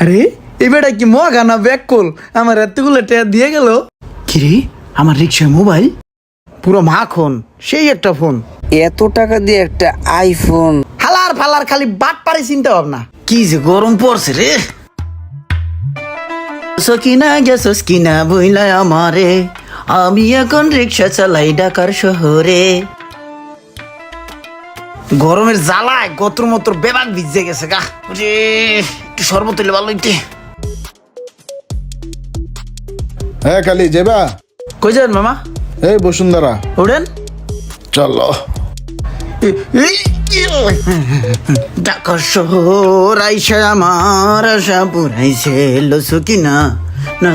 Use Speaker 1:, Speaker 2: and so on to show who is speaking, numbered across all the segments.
Speaker 1: আরে এবারে কি মগা না ব্যাককল আমার এতগুলো টাকা দিয়ে গেল। কিরে আমার রিক্সায় মোবাইল পুরো মাখন, সেই একটা ফোন।
Speaker 2: এত টাকা দিয়ে একটা আইফোন?
Speaker 1: হালার ফালার খালি বাট পারে চিন্তা ভাবনা। কি যে গরম পড়ছে রে। সকিনা গেছস কিনা বইলা আমারে, আমি এখন রিক্সা চালাই ঢাকার শহরে। গরমের জ্বালায় গত্র মত্র বেবাক ভিজে গেছে গা রে। একটু শরবত হইলে ভালো হইতে।
Speaker 3: হ্যাঁ কালি যাবা?
Speaker 1: কই যান মামা?
Speaker 3: এই বসুন্ধরা।
Speaker 1: ওড়েন
Speaker 3: চলো।
Speaker 1: ঢাকা শহর আইসা আমার আশা পুরাইছে লসু কিনা না।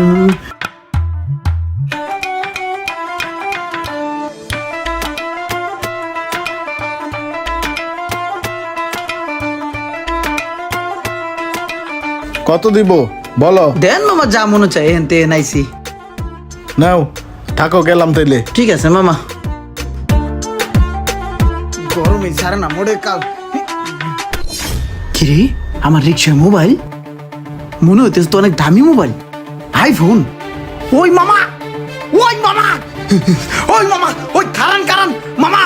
Speaker 3: কত দিব বলো?
Speaker 1: দেন মামা যা মনে চাই এনতে নাইছি।
Speaker 3: নাও থাকো, গেলাম তাইলে।
Speaker 1: ঠিক আছে মামা। গরমে ছাড়ে না মোড়ে কাল। কিরে আমার রিক্সায় মোবাইল মনে হইতেছে তো অনেক দামি মোবাইল, আইফোন। ওই মামা, ওই মামা, ওই মামা, ওই খারান কারান মামা।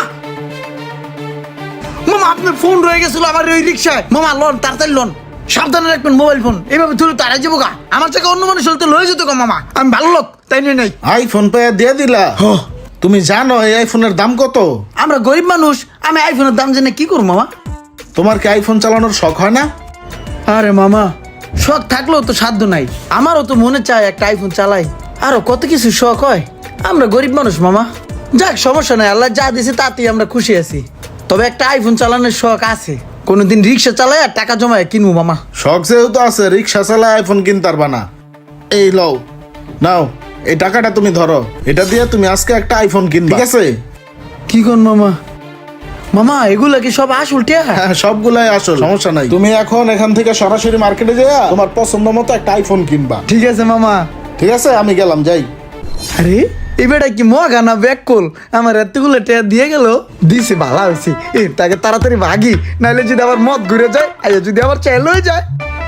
Speaker 1: মামা আপনার ফোন রয়ে গেছিল আমার ওই রিক্সায়। মামা লোন তাড়াতাড়ি লোন, সাবধানে রাখবেন মোবাইল ফোন। এইভাবে তুলে তাড়াই যাবো গা। আমার থেকে অন্য মানুষ হলে লয়ে যেত গা মামা। আমি ভালো লোক তাই নিয়ে নাই।
Speaker 3: আইফোন পেয়ে দিয়ে দিলা? তুমি জানো এই আইফোনের দাম কত?
Speaker 1: আমরা গরিব মানুষ, আমি আইফোনের দাম জেনে কি করবো মামা?
Speaker 3: তোমার কি আইফোন চালানোর শখ হয় না?
Speaker 1: আরে মামা শখ থাকলেও তো সাধ্য নাই। আমারও তো মনে চায় একটা আইফোন চালাই, আরো কত কিছু শখ হয়। আমরা গরিব মানুষ মামা। যাক সমস্যা নাই, আল্লাহ যা দিয়েছে তাতেই আমরা খুশি আছি। তবে একটা আইফোন চালানোর শখ আছে, কোনোদিন রিক্সা চালাই আর টাকা জমায় কিনবো মামা।
Speaker 3: শখ যেহেতু আছে, রিক্সা চালায় আইফোন কিনতে পারবা না। এই লও, নাও এই টাকাটা তুমি ধরো, এটা দিয়ে তুমি আজকে একটা আইফোন কিনবা, ঠিক আছে?
Speaker 1: কি কোন মামা? মামা এগুলা কি সব আসল টিয়া?
Speaker 3: হ্যাঁ সবগুলাই আসল, সমস্যা নাই। তুমি এখন এখান থেকে সরাসরি মার্কেটে যাও, তোমার পছন্দ মতো একটা আইফোন কিনবা।
Speaker 1: ঠিক আছে মামা।
Speaker 3: ঠিক আছে, আমি গেলাম, যাই।
Speaker 1: আরে এবারে কি মগা না ব্যাককল আমার এতগুলো টাকা দিয়ে গেল। দিছে ভালো হয়েছে, তাকে তাড়াতাড়ি ভাগি, নাহলে যদি আবার মদ ঘুরে যায়, আর যদি আবার চাইল হয়ে যায়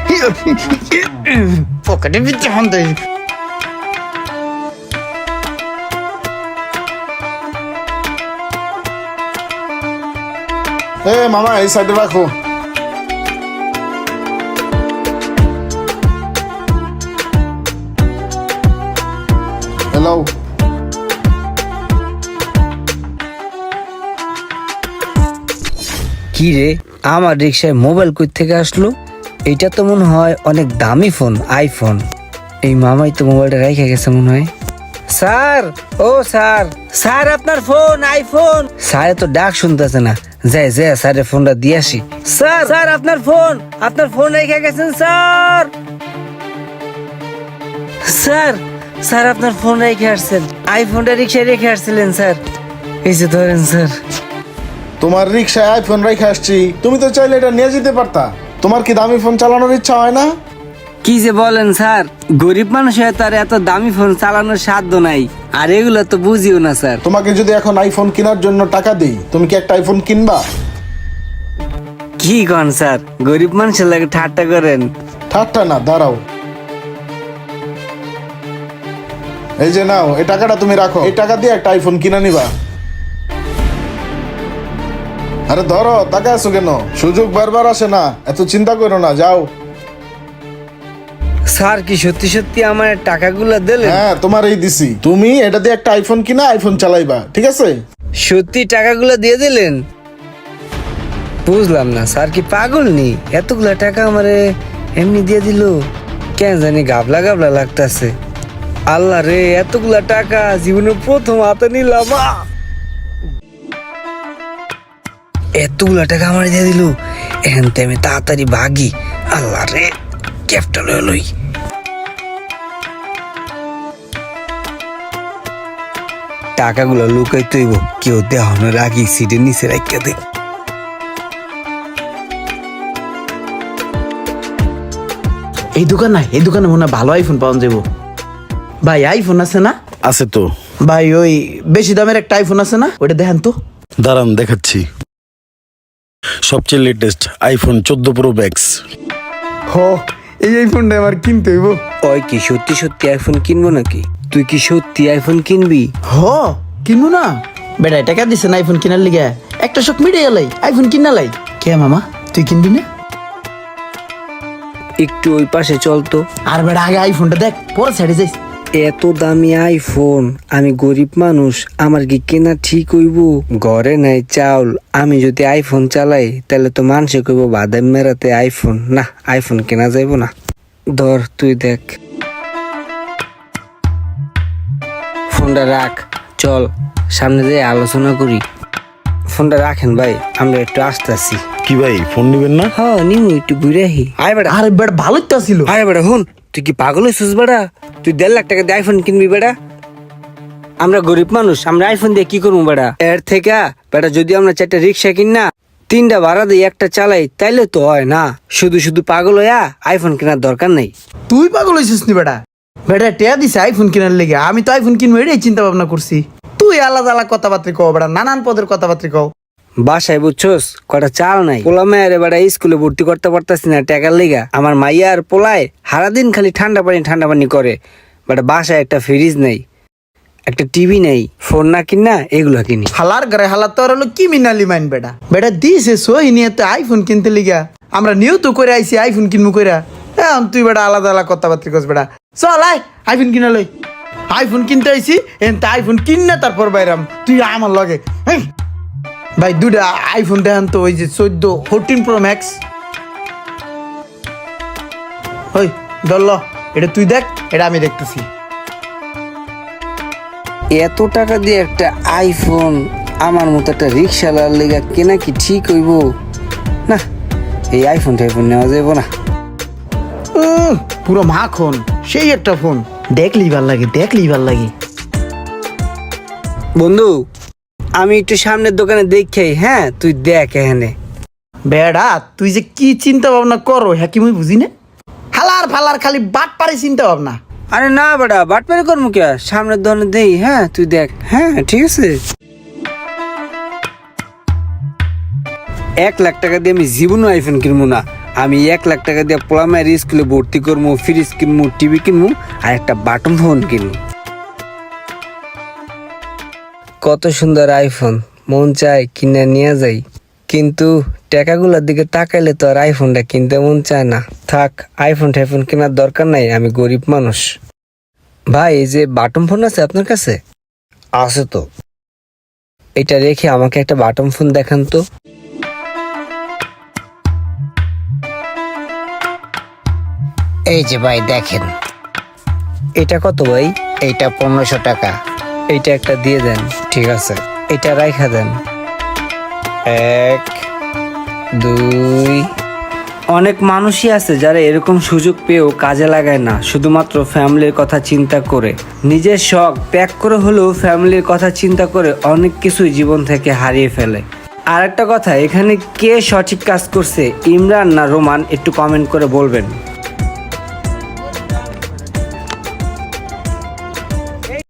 Speaker 1: পকেটে ভিতরে হন্তে।
Speaker 3: এ মামা এই সাইডে রাখো। হ্যালো।
Speaker 2: কি রে, আমার রিক্সায় মোবাইল কই থেকে আসলো? এটা তো মনে হয় অনেক দামি ফোন, আইফোন। এই মামাই তো মোবাইলটা রেখে গেছে মনে হয়। স্যার, ও স্যার, স্যার আপনার ফোন, আইফোন। স্যার তো ডাক শুনতেছে না, যাই যাই স্যারের ফোনটা দিয়ে আসি। স্যার, স্যার আপনার ফোন রেখে গেছেন স্যার। স্যার, স্যার আপনার ফোন রেখে আসছেন, আইফোনটা রিক্সায় রেখে আসছিলেন স্যার। এই যে ধরেন স্যার।
Speaker 3: তোমার রিক্সায় আইফোন রেখে আসছি, তুমি তো চাইলে এটা নিয়ে যেতে পারতা। তোমার কি দামি ফোন চালানোর ইচ্ছা হয় না?
Speaker 2: কি যে বলেন স্যার, গরিব মানুষ হয়ে তার এত দামি ফোন চালানোর সাধ্য নাই, আর এগুলো তো বুঝিও না স্যার।
Speaker 3: তোমাকে যদি এখন আইফোন কেনার জন্য টাকা দিই, তুমি কি একটা আইফোন কিনবা?
Speaker 2: কি কন স্যার, গরিব মানুষের লাগে ঠাট্টা করেন?
Speaker 3: ঠাট্টা না, দাঁড়াও। এই যে নাও, এই টাকাটা তুমি রাখো, এই টাকা দিয়ে একটা আইফোন কিনে নিবা। আরে ধরো, টাকা আছো কেন? সুযোগ বারবার আসে না, এত চিন্তা করো না, যাও।
Speaker 2: স্যার কি সত্যি সত্যি আমার টাকাগুলো দিলেন?
Speaker 3: হ্যাঁ তোমার এই দিছি, তুমি এটা দিয়ে একটা আইফোন কিনা আইফোন চালাইবা, ঠিক আছে?
Speaker 2: সত্যি টাকাগুলো দিয়ে দিলেন? বুঝলাম না, স্যার কি পাগল নি? এতগুলা টাকা আমারে এমনি দিয়ে দিল, কেন জানি গাবলা গাবলা লাগতাছে। আল্লাহ রে, এতগুলা টাকা জীবনে প্রথম হাতে নিলাম। এতগুলা টাকা আমার দিয়ে দিল, এখন তো আমি তাড়াতাড়ি ভাগি। আল্লাহ রে, ক্যাপটা লই। টাকাগুলো লুকাই তৈব, কেউ দেহনের আগে সিটের নিচে রাখিয়া দে।
Speaker 1: এই দোকান না, এই দোকানে মনে হয় ভালো আইফোন পাওয়া যাবো। ভাই আইফোন আছে না?
Speaker 4: আছে তো
Speaker 1: ভাই ওই বেশি দামের একটা আইফোন আছে না, ওটা দেখেন তো।
Speaker 4: দাঁড়ান দেখাচ্ছি। সবচেয়ে লেটেস্ট আইফোন 14 প্রো ম্যাক্স।
Speaker 1: হো এই ফোনটা আমার কিনতে হইব।
Speaker 2: ওই কি সত্যি সত্যি আইফোন কিনবো নাকি? তুই কি সত্যি আইফোন কিনবি?
Speaker 1: হ কিনবো না বেটা, টাকা দিছে না আইফোন কিনার লিগে, একটা শখ মিটে গেলাই আইফোন কিনালাই। কে মামা তুই কিনবি না?
Speaker 2: একটু ওই পাশে চল তো।
Speaker 1: আর বেটা আগে আইফোনটা দেখ, পরে সাইডে যাইস।
Speaker 2: এত দামি আইফোন, আমি গরিব মানুষ, আমার কি কেনা ঠিক হইব? ঘরে নাই চাউল, আমি যদি আইফোন চালাই তাহলে তো মানুষে কইব বাদাম মেরাতে আইফোন। না, আইফোন কেনা যাইব না। ধর তুই দেখ, ফোনটা রাখ, চল সামনে যেয়ে আলোচনা করি। ফোনটা রাখেন ভাই, আমরা একটু আসতেছি।
Speaker 3: কি ভাই ফোন নিবেন না?
Speaker 2: হ্যাঁ নিমু, একটু ঘুরে আহি। আয় বেটা,
Speaker 1: আরে বেটা ভালোই তো ছিল।
Speaker 2: আরে বেটা হুন, তুই কি পাগল হয়েছিস বেটা? তুই 1.5 লাখ টাকা দিয়ে আইফোন কিনবি বেটা? আমরা গরিব মানুষ, আমরা আইফোন দিয়ে কি করবো বেটা? এর থেকে বেটা যদি আমরা 4টা রিক্সা কিন না, 3টা ভাড়া দিয়ে একটা চালাই, তাইলে তো হয় না। শুধু শুধু পাগল হইয়া আইফোন কেনার দরকার নেই।
Speaker 1: তুই পাগল হয়েছিস নি বেটা? বেটা টেয়া দিছে আইফোন কেনার লেগে, আমি তো আইফোন কিনবো এটাই চিন্তা ভাবনা করছি। তুই আলাদা আলাদা কথাবার্তা কও বেটা, নানান পদের কথাবার্তা কও।
Speaker 2: বাসায় বুঝছস কটা চাল নাই, পোলা মায়ের বেটা স্কুলে ভর্তি করতে পারতাছি না টাকার লেগা। আমার মাইয়া আর পোলায় সারাদিন খালি ঠান্ডা পানি করে। বেটা বাসায় একটা ফ্রিজ নেই, একটা টিভি নেই, ফোন না কিনা এগুলা কিনি।
Speaker 1: হালার ঘরে হালার তোর হলো কি মিনালি মাইন বেটা। বেটা দিছে সহি নিয়ে তো আইফোন কিনতে লিগা, আমরা নিয়েও তো করে আইছি আইফোন কিনবো কইরা। এখন তুই বেটা আলাদা আলাদা কথাবার্তা কস বেটা। চল আয় আইফোন কিনা লই। আইফোন কিনতে আইছি, এন তা আইফোন কিন না তারপর বাইরাম তুই আমার লগে। হেই, ভাই দুটা আইফোন দেখান তো, ওই যে 14 Pro Max। ওই ধরল, এটা তুই দেখ, এটা আমি দেখতেছি।
Speaker 2: এত টাকা দিয়ে একটা আইফোন আমার মতো একটা রিক্সাওয়ালার লেগা কেনা কি ঠিক হইব? না, এই আইফোন টাইফোন নেওয়া যাইব না।
Speaker 1: পুরো মাখন, সেই একটা ফোন, দেখলেই ভাল লাগে, দেখলেই ভাল লাগে।
Speaker 2: বন্ধু আমি একটু সামনের দোকানে দেখি। হ্যাঁ তুই দেখ এখানে।
Speaker 1: বেড়া তুই যে কি চিন্তা ভাবনা করো হ্যাঁ কি মুই বুঝি না। হালার ফালার খালি বাট পারে চিন্তা ভাবনা।
Speaker 2: আরে না বেটা, বাটপারি করবো কে? সামনের দোকানে দেই। হ্যাঁ তুই দেখ। হ্যাঁ ঠিক আছে। 1 লাখ টাকা দিয়ে আমি জীবনও আইফোন কিনবো না। আমি 1 লাখ টাকা দিয়ে পোলা মায়ের স্কুলে ভর্তি করবো, ফ্রিজ কিনবো, টিভি কিনবো, আর একটা বাটন ফোন কিনবো। কত সুন্দর আইফোন, মন চায় কিনে নিয়ে যাই, কিন্তু টাকাগুলোর দিকে তাকাইলে তো আর আইফোনটা কিনতে মন চায় না। থাক, আইফোন টাইফোন কেনার দরকার নাই, আমি গরিব মানুষ। ভাই এই যে বাটন ফোন আছে আপনার কাছে? আছে তো। এটা রেখে আমাকে একটা বাটন ফোন দেখান তো।
Speaker 4: এই যে ভাই দেখেন,
Speaker 2: এটা কত ভাই?
Speaker 4: এইটা 1500 টাকা।
Speaker 2: এইটা একটা দিয়ে দেন। ঠিক আছে, এটা রাইখা দেন। 1 2। অনেক মানুষই আছে যারা এরকম সুযোগ পেয়েও কাজে লাগায় না, শুধুমাত্র ফ্যামিলির কথা চিন্তা করে। নিজের শখ ত্যাগ করে হলেও ফ্যামিলির কথা চিন্তা করে অনেক কিছুই জীবন থেকে হারিয়ে ফেলে। আর একটা কথা, এখানে কে সঠিক কাজ করছে, ইমরান না রোমান, একটু কমেন্ট করে বলবেন।